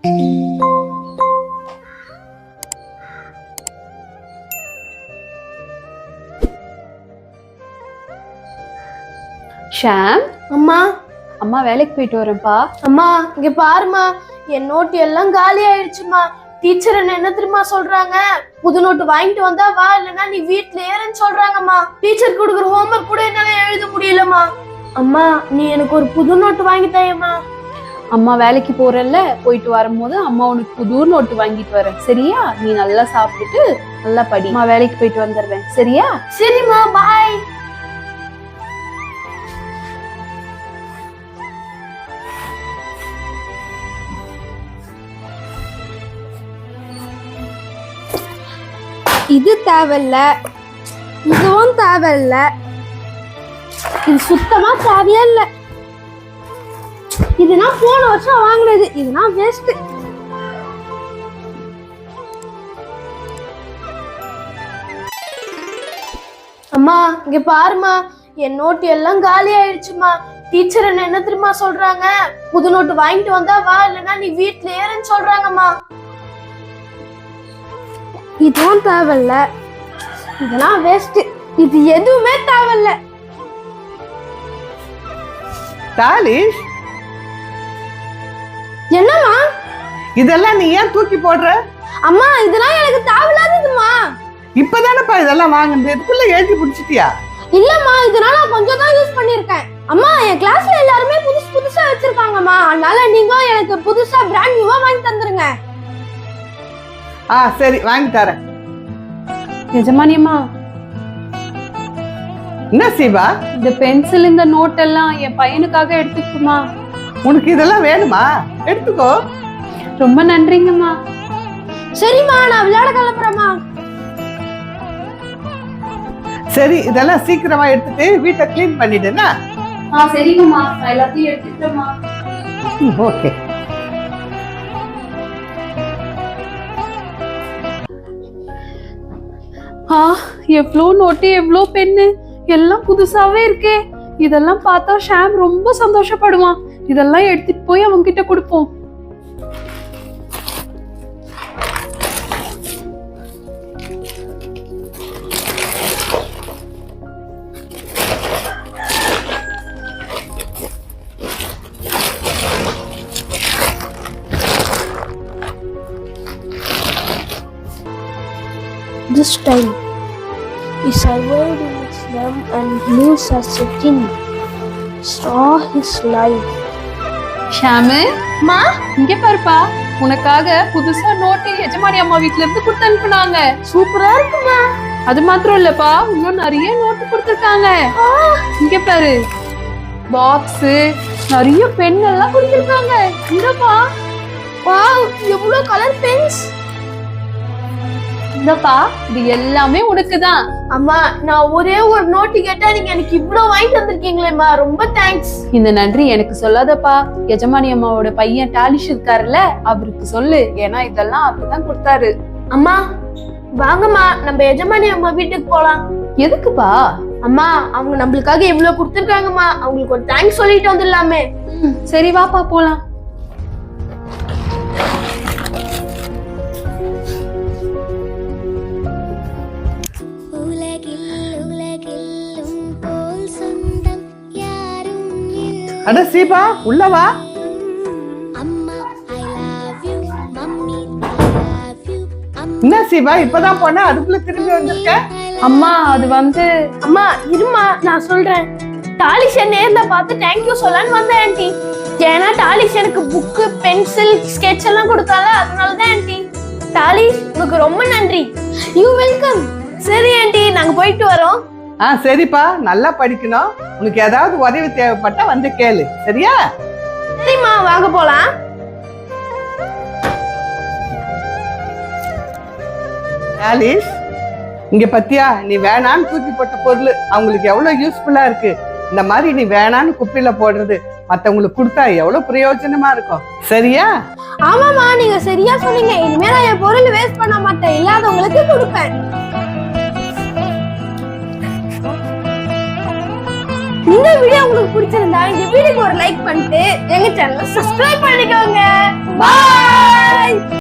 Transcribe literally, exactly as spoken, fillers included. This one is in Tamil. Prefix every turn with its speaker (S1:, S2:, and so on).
S1: ஷாம்,
S2: அம்மா
S1: அம்மா வேலைக்கு போயிட்டு வரேன்ப்பா.
S2: அம்மா இங்க பாருமா, என் நோட்டு எல்லாம் காலி ஆயிடுச்சுமா. டீச்சர் என்ன என்ன தெரியுமா சொல்றாங்க, புது நோட்டு வாங்கிட்டு வந்தா வா, இல்லைன்னா நீ வீட்டுல ஏறன்னு சொல்றாங்கம்மா. டீச்சர் கொடுக்குற ஹோம்ஒர்க் கூட என்னால எழுத முடியலம்மா. அம்மா நீ எனக்கு ஒரு புது நோட்டு வாங்கி தாயம்மா.
S1: அம்மா வேலைக்கு போறல்ல, போயிட்டு வரும்போது அம்மா உனக்கு புது நோட்டு வாங்கிட்டு வரேன், சரியா? நீ நல்லா சாப்பிட்டுட்டு நல்லா படி. அம்மா வேலைக்கு போயிட்டு வந்துடுறேன், சரியா?
S2: சரிம்மா, பாய். இது தேவையில்ல, இதுவும் தேவையில்ல, இது சுத்தமா தேவையே இல்ல. இதுனா போன வருஷம் வாங்கினது, இதுனா வேஸ்ட். அம்மா இங்க பாருமா, என் நோட்டு எல்லாம் காலி ஆயிடுச்சுமா. டீச்சர் என்ன என்ன தெரியுமா சொல்றாங்க, புது நோட்டு வாங்கிட்டு வந்தா வா, இல்லைன்னா நீ வீட்டுல ஏறன்னு சொல்றாங்கம்மா. இதுவும் தேவையில்ல, இதெல்லாம் வேஸ்ட், இது எதுவுமே தேவையில்ல.
S3: தாலிஷ்,
S2: என்னம்மா
S3: இதெல்லாம் நீ ஏன் தூக்கி போடுற?
S2: அம்மா இதெல்லாம் எனக்கு தேவையில்லாததுமா.
S3: இப்பதானப்பா இதெல்லாம் வாங்குறது, இதுக்குள்ள எழுதி பிடிச்சிட்டியா?
S2: இல்லம்மா, இதனால நான் கொஞ்சம் தான் யூஸ் பண்ணிருக்கேன். அம்மா என் கிளாஸ்ல எல்லாருமே புதுசு புதுசா வச்சிருக்காங்கம்மா, அதனால நீங்க எனக்கு புதுசா பிராண்ட் நியூவா வாங்கி தந்துருங்க.
S3: ஆ சரி, வாங்கி தரேன்.
S1: எஜமானியம்மா,
S3: என்ன சிவா,
S1: இந்த பென்சில் இந்த நோட் எல்லாம் என் பையனுக்காக எடுத்துக்குமா?
S3: உனக்கு இதெல்லாம் வேணுமா? எடுத்துக்கோ.
S1: ரொம்ப நன்றிங்கம்மா.
S2: சரிம்மா, நான் விளையாட கிளம்புறேம்மா.
S3: சரி, இதெல்லாம் சீக்கிரமா எடுத்துட்டு வீட்டை கிளீன் பண்ணிடுனா?
S1: ஆ சரிங்கம்மா, நான் எல்லாத்தையும் எடுத்துட்டேம்மா.
S3: ஓகே.
S1: ஆ எவ்வளோ நோட்டு, எவ்வளோ பென்னு, எல்லாம் புதுசாவே இருக்கே. இதெல்லாம் பார்த்தா ஷாம் ரொம்ப சந்தோஷப்படுவான். இதெல்லாம் எடுத்துட்டு போய் அவங்க கிட்ட கொடுப்போம்.
S2: This time, he survived in his slum and lives as a king. Saw his life.
S1: ஷாமு,
S2: மா
S1: இங்க பாருப்பா, உனக்காக புதுசா நோட்டு எஜமானி அம்மா வீட்ல இருந்து கொடுத்து அனுப்புனாங்க.
S2: சூப்பரா இருக்குமா.
S1: அது மாத்திரம் இல்லப்பா, இன்னும் நிறைய நோட்டு கொடுத்துருக்காங்க. இங்க பாரு, பாக்ஸ், நிறைய பென் எல்லாம் கொடுத்துருக்காங்க. இங்கப்பா,
S2: வாவ், எவ்வளவு கலர் பென்ஸ்.
S1: இந்தப்பா, இது எல்லாமே உனக்குதான்.
S2: அம்மா நான் ஒரே ஒரு நோட்டு கேட்டா நீங்க எனக்கு இவ்வளவு வாங்கிட்டு வந்திருக்கீங்களேம்மா, ரொம்ப தேங்க்ஸ்.
S1: இந்த நன்றி எனக்கு சொல்லாதப்பா, எஜமானி அம்மாவோட பையன் டாலிஷ் இருக்காருல்ல, அவருக்கு சொல்லு. ஏன்னா இதெல்லாம் அவருதான் கொடுத்தாரு.
S2: அம்மா வாங்கம்மா, நம்ம எஜமானி அம்மா வீட்டுக்கு போலாம்.
S1: எதுக்குப்பா?
S2: அம்மா அவங்க நம்மளுக்காக எவ்வளவு கொடுத்துருக்காங்கம்மா, அவங்களுக்கு ஒரு தேங்க்ஸ் சொல்லிட்டு வந்துடலாமே.
S1: சரி வாப்பா போலாம்.
S3: அட சீபா, உள்ளவா. என்ன சீபா, இப்பதான் போன, அதுக்குள்ள திரும்பி வந்திருக்க?
S1: அம்மா அது வந்து,
S2: அம்மா இருமா நான் சொல்றேன். டாலிஷ் நேர்ல பார்த்து தேங்க்யூ சொல்லலான்னு வந்தேன் ஆண்டி. ஏன்னா டாலிஷ் எனக்கு புக்கு, பென்சில், ஸ்கெட்ச் எல்லாம் கொடுத்தால, அதனாலதான் ஆண்டி. டாலிஷ் உங்களுக்கு ரொம்ப நன்றி. You welcome. சரி ஆண்டி, நாங்க போயிட்டு வரோம்.
S3: ஆ சரிப்பா, நல்லா படிக்கணும். உனக்கு ஏதாவது உதவி தேவைப்பட்டா வந்து கேளு, சரியா?
S2: சரிம்மா, வாங்க போலாம்.
S3: ஆலிஸ், இங்க பத்தியா, நீ வேணான்னு தூக்கி போட்ட பொருள் அவங்களுக்கு எவ்வளவு யூஸ்ஃபுல்லா இருக்கு. இந்த மாதிரி நீ வேணான்னு குப்பையில போடுறது மத்தவங்களுக்கு கொடுத்தா எவ்வளவு பிரயோஜனமா இருக்கும், சரியா?
S2: ஆமாமா, நீங்க சரியா சொன்னீங்க. இனிமே நான் என் பொருள் வேஸ்ட் பண்ண மாட்டேன், இல்லாதவங்களுக்கு கொடுப்பேன். இந்த வீடியோ உங்களுக்கு பிடிச்சிருந்தா இந்த வீடியோக்கு ஒரு லைக் பண்ணிட்டு எங்க சேனலை சப்ஸ்கிரைப் பண்ணிக்கோங்க. பாய்.